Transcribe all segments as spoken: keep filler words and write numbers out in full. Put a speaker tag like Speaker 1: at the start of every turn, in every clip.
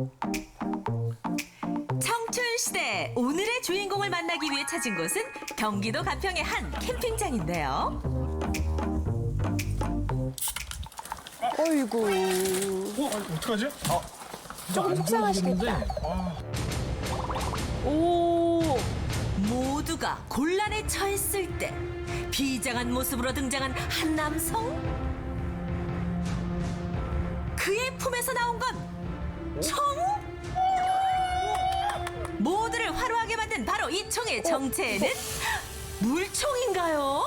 Speaker 1: 청춘시대 오늘의 주인공을 만나기 위해 찾은 곳은 경기도 가평의 한 캠핑장인데요.
Speaker 2: 어이구.
Speaker 3: 어? 어떡하지? 아,
Speaker 2: 조금 속상하시겠다.
Speaker 1: 오, 모두가 곤란에 처했을 때 비장한 모습으로 등장한 한 남성. 그의 품에서 나온 건 총? 모두를 화로하게 만든 바로 이 총의 정체는 물총인가요?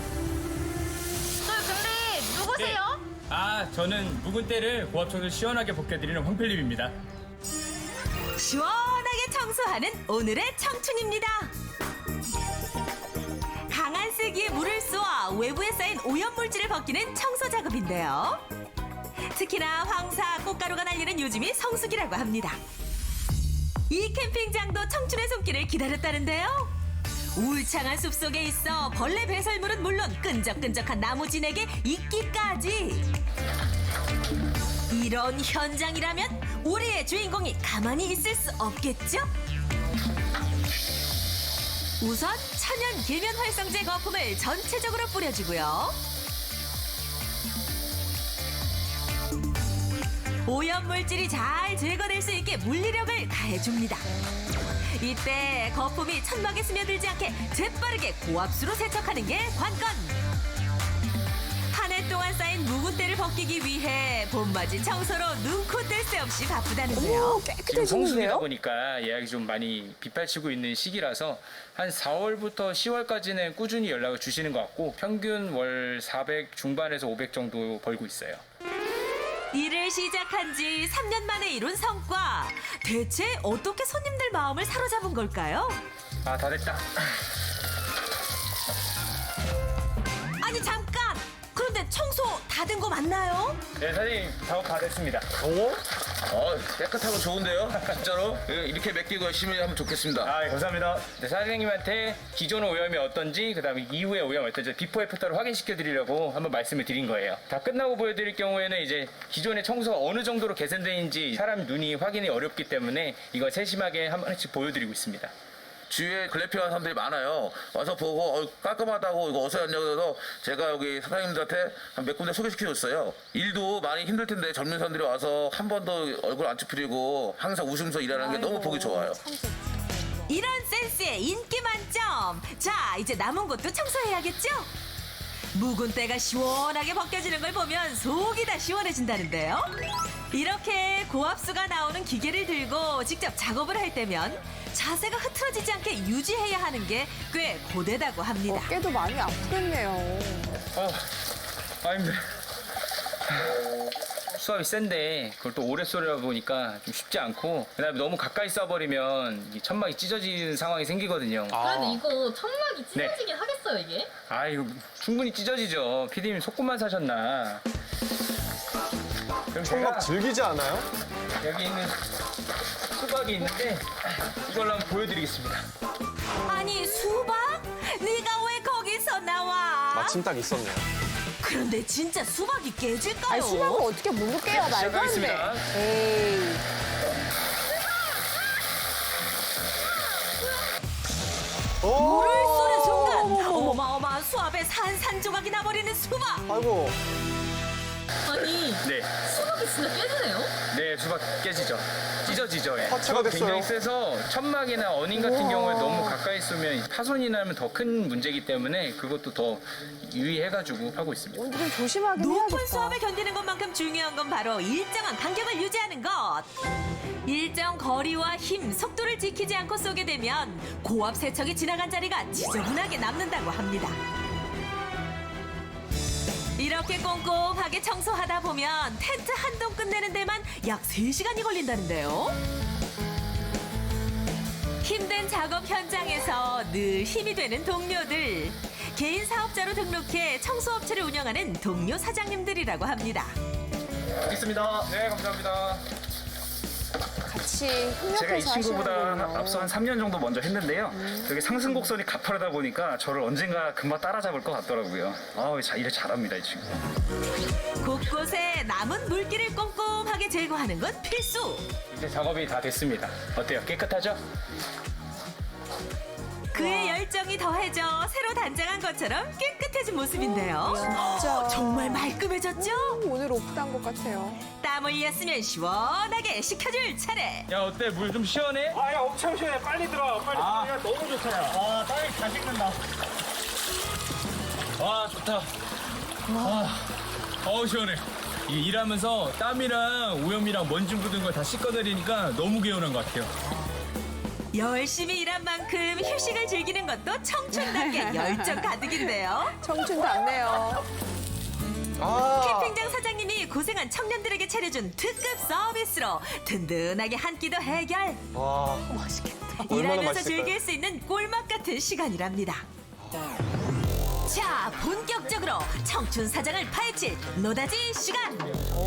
Speaker 4: 저 근데 누구세요?
Speaker 5: 아, 저는 묵은 때를 고압청소 시원하게 벗겨드리는 황필립입니다.
Speaker 1: 시원하게 청소하는 오늘의 청춘입니다. 강한 세기에 물을 쏘아 외부에 쌓인 오염물질을 벗기는 청소 작업인데요. 특히나 황사, 꽃가루가 날리는 요즘이 성수기라고 합니다. 이 캠핑장도 청춘의 손길을 기다렸다는데요. 울창한 숲속에 있어 벌레 배설물은 물론 끈적끈적한 나무 진에게 있기까지. 이런 현장이라면 우리의 주인공이 가만히 있을 수 없겠죠? 우선 천연 계면 활성제 거품을 전체적으로 뿌려주고요. 오염물질이 잘 제거될 수 있게 물리력을 가해줍니다. 이때 거품이 천막에 스며들지 않게 재빠르게 고압수로 세척하는 게 관건. 한 해 동안 쌓인 묵은 때를 벗기기 위해 봄맞이 청소로 눈코 뗄 새 없이 바쁘다는데요.
Speaker 2: 오,
Speaker 5: 지금 성수기다
Speaker 2: 깨끗해지는데요?
Speaker 5: 보니까 예약이 좀 많이 빗발치고 있는 시기라서 한 사월부터 시월까지는 꾸준히 연락을 주시는 것 같고 평균 월 사백 중반에서 오백 정도 벌고 있어요.
Speaker 1: 일을 시작한 지 삼 년 만에 이룬 성과. 대체 어떻게 손님들 마음을 사로잡은 걸까요?
Speaker 5: 아, 다 됐다.
Speaker 1: 아니 잠깐! 그런데 청소 다 된 거 맞나요?
Speaker 5: 네, 사장님 작업 다 됐습니다.
Speaker 6: 어, 깨끗하고 좋은데요? 진짜로? 이렇게 맡기고 열심히 하면 좋겠습니다.
Speaker 5: 아, 예, 감사합니다. 네, 사장님한테 기존 오염이 어떤지, 그 다음에 이후의 오염이 어떤지 비포 애프터를 확인시켜 드리려고 한번 말씀을 드린 거예요. 다 끝나고 보여드릴 경우에는 이제 기존의 청소가 어느 정도로 개선되는지 사람 눈이 확인이 어렵기 때문에 이걸 세심하게 한 번씩 보여드리고 있습니다.
Speaker 6: 주위에 글래피하는 사람들이 많아요. 와서 보고 어, 깔끔하다고 이거 어서 왔냐고 해서 제가 여기 사장님들한테 한 몇 군데 소개시켜줬어요. 일도 많이 힘들 텐데 젊은 사람들이 와서 한 번도 얼굴 안 찌푸리고 항상 웃으면서 일하는 게 너무 보기 좋아요.
Speaker 1: 이런 센스에 인기 만점! 자, 이제 남은 곳도 청소해야겠죠? 묵은 때가 시원하게 벗겨지는 걸 보면 속이 다 시원해진다는데요. 이렇게 고압수가 나오는 기계를 들고 직접 작업을 할 때면 자세가 흐트러지지 않게 유지해야 하는 게 꽤 고되다고 합니다.
Speaker 2: 어깨도 많이 아프겠네요.
Speaker 5: 어, 아, 힘들어. 수압이 센데 그걸 또 오래 쏘려다 보니까 좀 쉽지 않고 그다음에 너무 가까이 쏴버리면 이 천막이 찢어지는 상황이 생기거든요.
Speaker 4: 그래도 이거 천막이
Speaker 5: 네.
Speaker 4: 찢어지긴 하겠어요 이게?
Speaker 5: 아, 이거 충분히 찢어지죠. 피디님 속구만 사셨나. 그럼
Speaker 3: 천막
Speaker 5: 제가
Speaker 3: 즐기지 않아요?
Speaker 5: 여기 있는 수박이 있는데 이걸로 한번 보여드리겠습니다.
Speaker 1: 아니, 수박? 네가 왜 거기서 나와?
Speaker 3: 마침 딱 있었네요.
Speaker 1: 그런데 진짜 수박이 깨질까요?
Speaker 2: 아니, 수박을 어떻게 물로 깨요? 말도 안
Speaker 5: 시작하겠습니다.
Speaker 2: 돼. 에이.
Speaker 3: 오!
Speaker 1: 물을 쏘는 순간 어마어마한 수압에 산산조각이 나버리는 수박.
Speaker 3: 아이고.
Speaker 4: 아니
Speaker 5: 네,
Speaker 4: 수박이 진짜 깨지네요?
Speaker 5: 네 수박 깨지죠. 찢어지죠. 예.
Speaker 3: 화채가 됐어요.
Speaker 5: 굉장히 세서 천막이나 어닝 같은 경우에 너무 가까이 쏘면 파손이 나면 더 큰 문제이기 때문에 그것도 더 유의해가지고 하고 있습니다.
Speaker 2: 오늘은 조심하긴
Speaker 1: 높은
Speaker 2: 해야겠다.
Speaker 1: 수압을 견디는 것만큼 중요한 건 바로 일정한 간격을 유지하는 것. 일정 거리와 힘, 속도를 지키지 않고 쏘게 되면 고압 세척이 지나간 자리가 지저분하게 남는다고 합니다. 이렇게 꼼꼼하게 청소하다 보면 텐트 한 동 끝내는 데만 약 세 시간이 걸린다는데요. 힘든 작업 현장에서 늘 힘이 되는 동료들. 개인 사업자로 등록해 청소업체를 운영하는 동료 사장님들이라고 합니다.
Speaker 5: 있습니다. 네, 감사합니다.
Speaker 2: 같이 같이 협력해서
Speaker 7: 제가 이 친구보다
Speaker 2: 하시는군요.
Speaker 7: 앞서 한 삼 년 정도 먼저 했는데요. 되게 상승곡선이 가파르다 보니까 저를 언젠가 금방 따라잡을 것 같더라고요. 아, 자, 일을 잘합니다, 이 친구.
Speaker 1: 곳곳에 남은 물기를 꼼꼼하게 제거하는 건 필수.
Speaker 5: 이제 작업이 다 됐습니다. 어때요? 깨끗하죠?
Speaker 1: 그의 열정이 더해져 새로 단장한 것처럼 깨끗해진 모습인데요.
Speaker 2: 진짜.
Speaker 1: 정말 말끔해졌죠?
Speaker 2: 오늘 오픈한 것 같아요.
Speaker 1: 땀 흘렸으면 시원하게 식혀줄 차례.
Speaker 5: 야, 어때? 물 좀 시원해?
Speaker 7: 아, 야, 엄청 시원해. 빨리 들어. 빨리 들어. 야, 너무 좋다. 야. 아, 땀이 다 식는다.
Speaker 5: 와, 좋다. 와, 어우, 시원해. 이 일하면서 땀이랑 오염이랑 먼지 묻은 걸 다 씻어내리니까 너무 개운한 것 같아요.
Speaker 1: 열심히 일한 만큼 휴식을 즐기는 것도 청춘답게 열정 가득인데요.
Speaker 2: 청춘 같네요.
Speaker 3: 아.
Speaker 1: 캠핑장 사장님이 고생한 청년들에게 차려준 특급 서비스로 든든하게 한 끼도 해결.
Speaker 3: 와.
Speaker 2: 맛있겠다.
Speaker 3: 얼마나
Speaker 1: 일하면서
Speaker 3: 맛있을까요?
Speaker 1: 즐길 수 있는 꿀맛 같은 시간이랍니다. 자, 본격적으로 청춘 사장을 파헤칠 노다지 시간.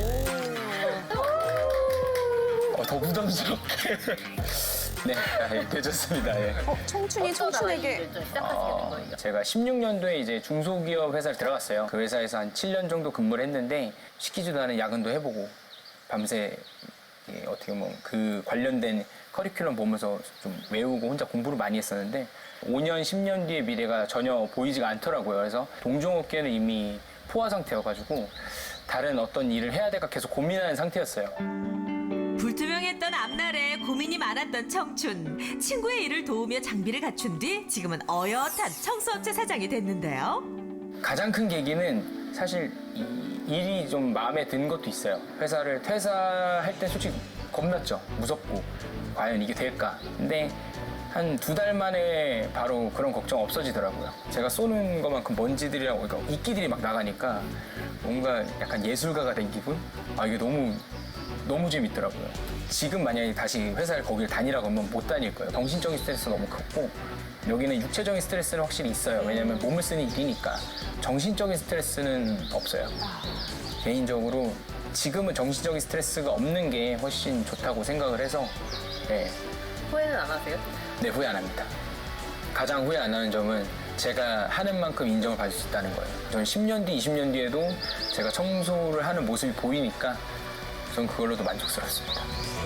Speaker 5: 어, 더 부담스럽게. 네, 아, 예, 되졌습니다. 예.
Speaker 2: 어, 청춘이 청춘에게
Speaker 4: 이제 시작하시게 된 거예요.
Speaker 5: 제가 십육 년도에 이제 중소기업 회사를 들어갔어요. 그 회사에서 한 칠 년 정도 근무를 했는데 시키지도 않은 야근도 해보고 밤새 예, 어떻게 보면 그 관련된 커리큘럼 보면서 좀 외우고 혼자 공부를 많이 했었는데 오 년, 십 년 뒤의 미래가 전혀 보이지가 않더라고요. 그래서 동종업계는 이미 포화 상태여가지고 다른 어떤 일을 해야 될까 계속 고민하는 상태였어요.
Speaker 1: 불투명했던 앞날에 고민이 많았던 청춘. 친구의 일을 도우며 장비를 갖춘 뒤 지금은 어엿한 청소업체 사장이 됐는데요.
Speaker 5: 가장 큰 계기는 사실 이 일이 좀 마음에 든 것도 있어요. 회사를 퇴사할 때 솔직히 겁났죠. 무섭고 과연 이게 될까. 근데 한 두 달 만에 바로 그런 걱정 없어지더라고요. 제가 쏘는 것만큼 먼지들이랑 그러니까 이끼들이 막 나가니까 뭔가 약간 예술가가 된 기분? 아 이게 너무 너무 재밌더라고요. 지금 만약에 다시 회사를 거기를 다니라고 하면 못 다닐 거예요. 정신적인 스트레스가 너무 크고 여기는 육체적인 스트레스는 확실히 있어요. 왜냐면 몸을 쓰는 일이니까 정신적인 스트레스는 없어요. 개인적으로 지금은 정신적인 스트레스가 없는 게 훨씬 좋다고 생각을 해서 네,
Speaker 4: 후회는 안 하세요?
Speaker 5: 네 후회 안 합니다. 가장 후회 안 하는 점은 제가 하는 만큼 인정을 받을 수 있다는 거예요. 저는 십 년 뒤, 이십 년 뒤에도 제가 청소를 하는 모습이 보이니까 전 그걸로도 만족스럽습니다.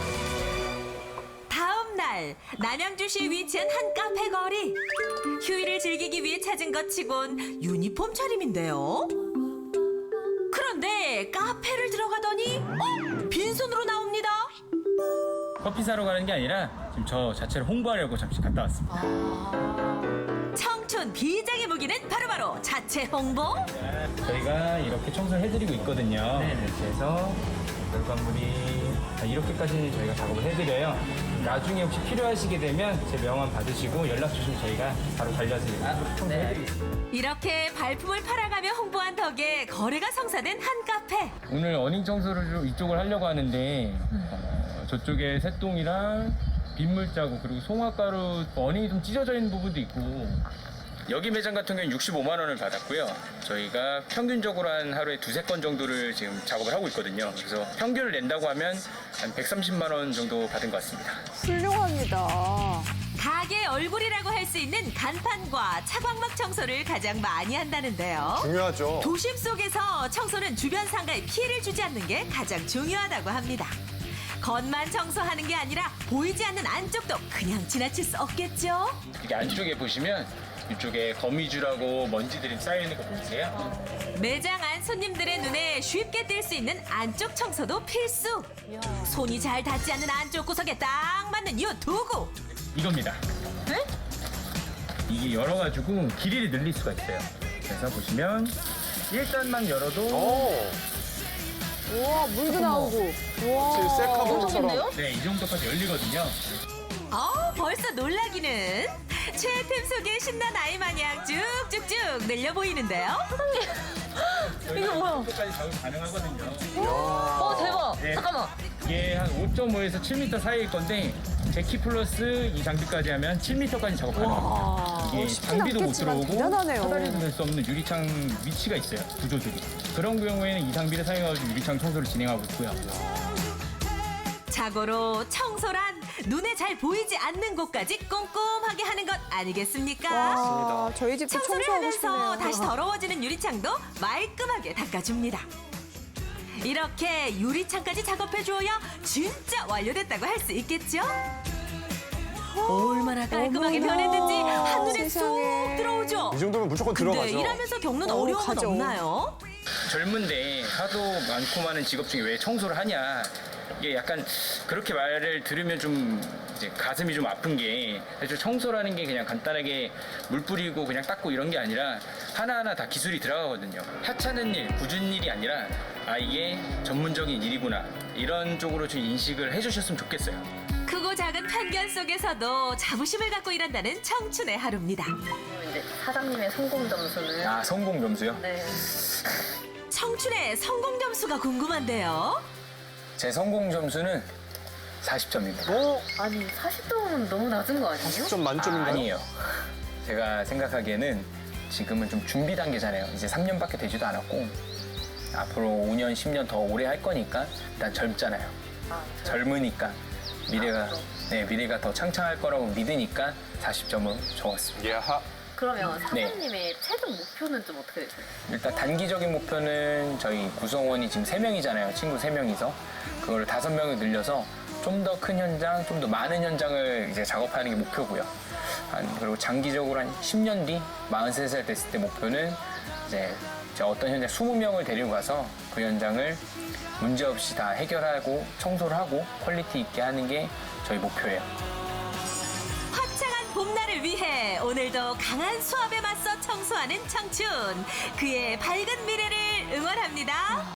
Speaker 1: 다음 날 남양주시에 위치한 한 카페 거리. 휴일을 즐기기 위해 찾은 것 치곤 유니폼 차림인데요. 그런데 카페를 들어가더니 어? 빈손으로 나옵니다.
Speaker 5: 커피 사러 가는 게 아니라 지금 저 자체를 홍보하려고 잠시 갔다 왔습니다.
Speaker 1: 청춘 비장의 무기는 바로바로 자체 홍보.
Speaker 5: 저희가 이렇게 청소를 해드리고 있거든요. 이렇게 해서 결과물이 다 이렇게까지 저희가 작업을 해드려요. 나중에 혹시 필요하시게 되면 제 명함 받으시고 연락 주시면 저희가 바로 달려서 청소해드리겠습니다.
Speaker 1: 이렇게 발품을 팔아가며 홍보한 덕에 거래가 성사된 한 카페.
Speaker 5: 오늘 어닝 청소를 좀 이쪽을 하려고 하는데 어, 저쪽에 새똥이랑 빗물 자국 그리고 송화가루 어닝이 좀 찢어져 있는 부분도 있고 여기 매장 같은 경우는 육십오만 원을 받았고요. 저희가 평균적으로 한 하루에 두세 건 정도를 지금 작업을 하고 있거든요. 그래서 평균을 낸다고 하면 한 백삼십만 원 정도 받은 것 같습니다.
Speaker 2: 훌륭합니다.
Speaker 1: 가게 얼굴이라고 할 수 있는 간판과 차광막 청소를 가장 많이 한다는데요.
Speaker 3: 중요하죠.
Speaker 1: 도심 속에서 청소는 주변 상가에 피해를 주지 않는 게 가장 중요하다고 합니다. 겉만 청소하는 게 아니라 보이지 않는 안쪽도 그냥 지나칠 수 없겠죠?
Speaker 5: 이게 안쪽에 보시면 이쪽에 거미줄하고 먼지들이 쌓여있는 거 보이세요?
Speaker 1: 매장 안 손님들의 눈에 쉽게 띌 수 있는 안쪽 청소도 필수. 손이 잘 닿지 않는 안쪽 구석에 딱 맞는 이 도구.
Speaker 5: 이겁니다.
Speaker 4: 네?
Speaker 5: 이게 열어가지고 길이를 늘릴 수가 있어요. 그래서 보시면 일 단만 열어도
Speaker 3: 오.
Speaker 2: 우와, 물도 나오고.
Speaker 3: 제
Speaker 2: 우와.
Speaker 3: 셀카봉처럼.
Speaker 5: 네, 이 정도까지 열리거든요.
Speaker 1: 어, 벌써 놀라기는. 최애템 속에 신난 아이 마냥 쭉쭉쭉 늘려 보이는데요.
Speaker 5: 이게 뭐야? 이 정도까지 작업 가능하거든요.
Speaker 4: 어 대박.
Speaker 5: 네.
Speaker 4: 잠깐만.
Speaker 5: 이게 한 오 점 오에서 칠 미터 사이일 건데 제 키 플러스 이 장비까지 하면 칠 미터까지 작업 가능합니다. 이게
Speaker 2: 쉽진
Speaker 5: 장비도 못
Speaker 2: 않겠지만
Speaker 5: 들어오고
Speaker 2: 대단하네요.
Speaker 5: 사다리도 낼 수 없는 유리창 위치가 있어요. 구조들이. 그런 경우에는 이 장비를 사용해서 유리창 청소를 진행하고 있고요.
Speaker 1: 자고로 청소란 눈에 잘 보이지 않는 곳까지 꼼꼼하게 하는 것 아니겠습니까?
Speaker 2: 와, 저희 집도
Speaker 1: 청소를
Speaker 2: 청소하고
Speaker 1: 하면서
Speaker 2: 싶네요.
Speaker 1: 다시 더러워지는 유리창도 말끔하게 닦아줍니다. 이렇게 유리창까지 작업해 주어야 진짜 완료됐다고 할 수 있겠죠? 얼마나 깔끔하게
Speaker 2: 어머나,
Speaker 1: 변했는지 한눈에
Speaker 2: 세상에.
Speaker 1: 쏙 들어오죠?
Speaker 8: 이 정도면 무조건
Speaker 1: 근데
Speaker 8: 들어가죠.
Speaker 1: 일하면서 겪는
Speaker 2: 어,
Speaker 1: 어려움은
Speaker 2: 가죠.
Speaker 1: 없나요?
Speaker 5: 젊은데 하도 많고 많은 직업 중에 왜 청소를 하냐. 이게 약간 그렇게 말을 들으면 좀 이제 가슴이 좀 아픈 게 사실 청소라는 게 그냥 간단하게 물 뿌리고 그냥 닦고 이런 게 아니라 하나하나 다 기술이 들어가거든요. 하찮은 일, 굳은 일이 아니라 아 이게 전문적인 일이구나 이런 쪽으로 좀 인식을 해주셨으면 좋겠어요.
Speaker 1: 크고 작은 편견 속에서도 자부심을 갖고 일한다는 청춘의 하루입니다.
Speaker 4: 이제 사장님의 성공 점수는
Speaker 5: 아 성공 점수요?
Speaker 4: 네.
Speaker 1: 청춘의 성공 점수가 궁금한데요.
Speaker 5: 제 성공 점수는 사십 점입니다.
Speaker 4: 아니 사십 점은 너무 낮은 거 아니에요?
Speaker 8: 십 점 만점인가요?
Speaker 5: 아니에요. 제가 생각하기에는 지금은 좀 준비 단계잖아요. 이제 삼 년밖에 되지도 않았고 앞으로 오 년, 십 년 더 오래 할 거니까 일단 젊잖아요.
Speaker 4: 아,
Speaker 5: 젊으니까 미래가
Speaker 4: 아, 그럼.
Speaker 5: 네 미래가 더 창창할 거라고 믿으니까 사십 점을 적었습니다.
Speaker 8: 예하.
Speaker 4: 그러면
Speaker 5: 네.
Speaker 4: 사장님의 최종 목표는 좀 어떻게 되세요?
Speaker 5: 일단 단기적인 목표는 저희 구성원이 지금 세 명이잖아요. 친구 세 명이서 그걸 다섯 명을 늘려서 좀 더 큰 현장, 좀 더 많은 현장을 이제 작업하는 게 목표고요. 한, 그리고 장기적으로 한 십 년 뒤 마흔세 살 됐을 때 목표는 이제 제가 어떤 현장 이십 명을 데리고 가서 그 현장을 문제없이 다 해결하고 청소를 하고 퀄리티 있게 하는 게 저희 목표예요.
Speaker 1: 화창한 봄날을 위해 오늘도 강한 수압에 맞서 청소하는 청춘. 그의 밝은 미래를 응원합니다.